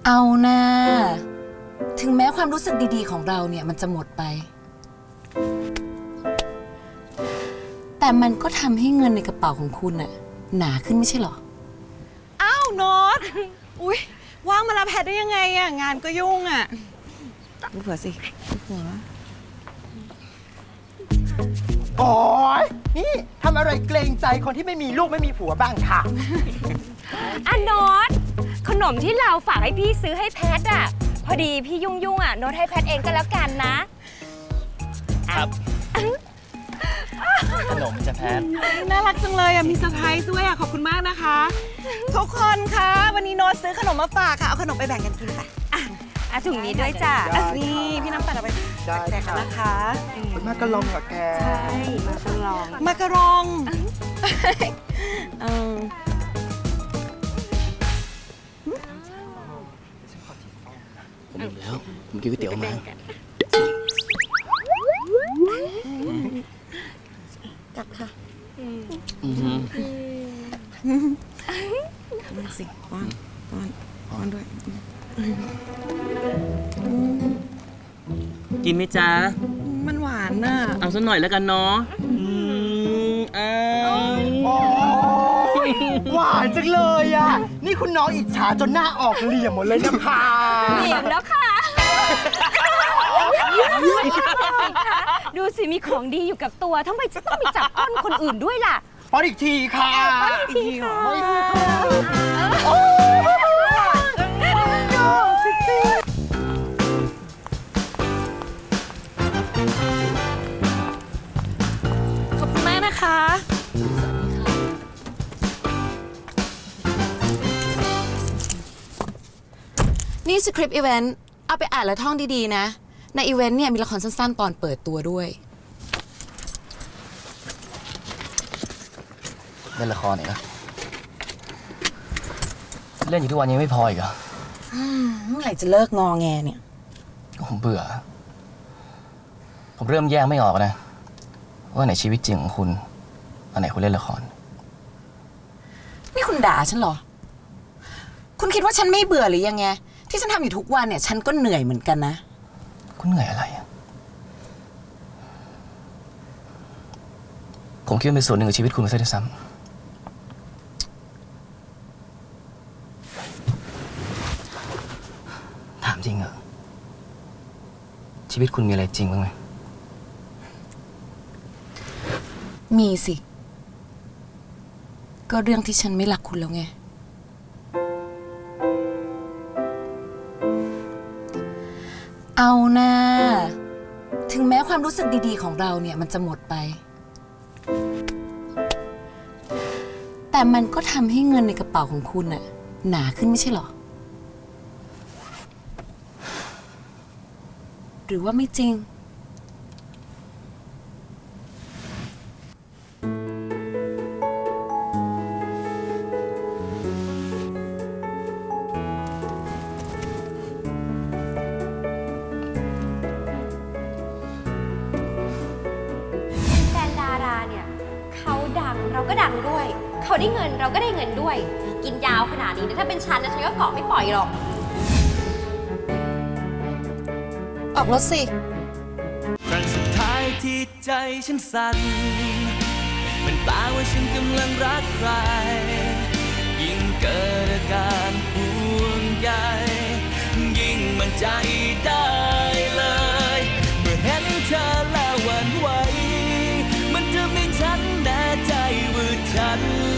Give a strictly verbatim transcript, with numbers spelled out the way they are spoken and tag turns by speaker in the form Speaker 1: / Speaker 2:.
Speaker 1: เอานะถึงแม้ความรู้สึกดีๆของเราเนี่ยมันจะหมดไปแต่มันก็ทำให้เงินในกระเป๋าของคุณน่ะหนาขึ้นไม่ใช่หรอ
Speaker 2: อ้าวโน้ตอุ๊ยว่างมารับแพทได้ยังไงอะงานก็ยุ่งอะดูผัวสิดูผัว
Speaker 3: โอ๊ยนี่ทำอะไรเกรงใจคนที่ไม่มีลูกไม่มีผัวบ้างค่ะ
Speaker 4: อ่ะโน้ตขนมที่เราฝากให้พี่ซื้อให้แพทอ่ะพอดีพี่ยุ่งยุ่งอ่ะโน้ตให้แพทเองก็แล้วกันนะครับ
Speaker 5: ขนมจะแพท
Speaker 2: น่ารักจังเลยอะมีเซอร์ไพรส์ด้วยอะขอบคุณมากนะคะทุกคนคะวันนี้โน้ตซื้อขนมมาฝากค่ะเอาขนมไปแบ่งกันกินค่ะ
Speaker 4: อ่ะถุงนี้ด้วยจ้ะ
Speaker 2: นี่พี่น้ำปั่นเอาไปแจกกันนะคะ
Speaker 3: มากระลองกับแก
Speaker 4: ใช่มาตลอง
Speaker 2: มากระรองเออ
Speaker 5: ผมอิ่มแล้วผมกินก๋วยเตี๋ยวม
Speaker 2: ากลับค่ะ
Speaker 5: อือ
Speaker 2: มาสิป้อนป้อนป้อนด้วย
Speaker 5: กินไหมจ๊ะ
Speaker 2: มันหวานน่ะ
Speaker 5: เอาสักหน่อยแล้วกันเนาะอืมอ้าว
Speaker 3: หวานจังเลยอ่ะนี่คุณน้องอิจฉาจนหน้าออกเหลี่ยมหมดเลยนะคะ
Speaker 4: เหลี่ยมแล้วค่ะดูสิมีของดีอยู่กับตัวทำไมจะต้องไปจับก้นคนอื่นด้วยล่ะ
Speaker 3: ป้อนอีกทีค่ะ
Speaker 4: ป้อนอีกทีค่ะ
Speaker 2: ขอบคุณมากนะคะ
Speaker 1: นี่สคริปต์อีเวนต์เอาไปอ่านและท่องดีๆนะในอีเวนต์เนี่ยมีละครสั้นๆตอนเปิดตัวด้วย
Speaker 5: เล่นละครอีกนะเล่นอยู่ทุกวันยังไม่พออีกเหรอ
Speaker 1: เมื่อไหร่จะเลิกงอแงเนี่ย
Speaker 5: ผมเบื่อผมเริ่มแยกไม่ออกนะว่าไหนชีวิตจริงของคุณอันไหนคุณเล่นละคร
Speaker 1: นี่คุณด่าฉันเหรอคุณคิดว่าฉันไม่เบื่อหรือยังไงที่ฉันทำอยู่ทุกวันเนี่ยฉันก็เหนื่อยเหมือนกันนะ
Speaker 5: คุณเหนื่อยอะไรอ่ะผมคิดว่าเป็นส่วนหนึ่งของชีวิตคุณมาซะด้วยซ้ำถามจริงเหรอชีวิตคุณมีอะไรจริงบ้างไหม
Speaker 1: มีสิก็เรื่องที่ฉันไม่รักคุณแล้วไงเอานะถึงแม้ความรู้สึกดีๆของเราเนี่ยมันจะหมดไปแต่มันก็ทำให้เงินในกระเป๋าของคุณน่ะหนาขึ้นไม่ใช่หรอหรือว่าไม่จริง
Speaker 4: เราก็ดังด้วยเขาได้เงินเราก็ได้เงินด้วยกินยาวขนาดนี้นะถ้าเป็นฉันนะฉันก็เกาะไม่ปล่อยหรอก
Speaker 1: ออกรถสิ
Speaker 6: ครั้งสุดท้ายที่ใจฉันสั่นเป็นตาว่าฉันกำลังรักใครยิ่งเกิดอาการห่วงใยยิ่งมั่นใจได้เลยเมื่อเห็นเธอแล้วหวั่นไหวมันจะไม่ฉันแน่ใจว่าฉัน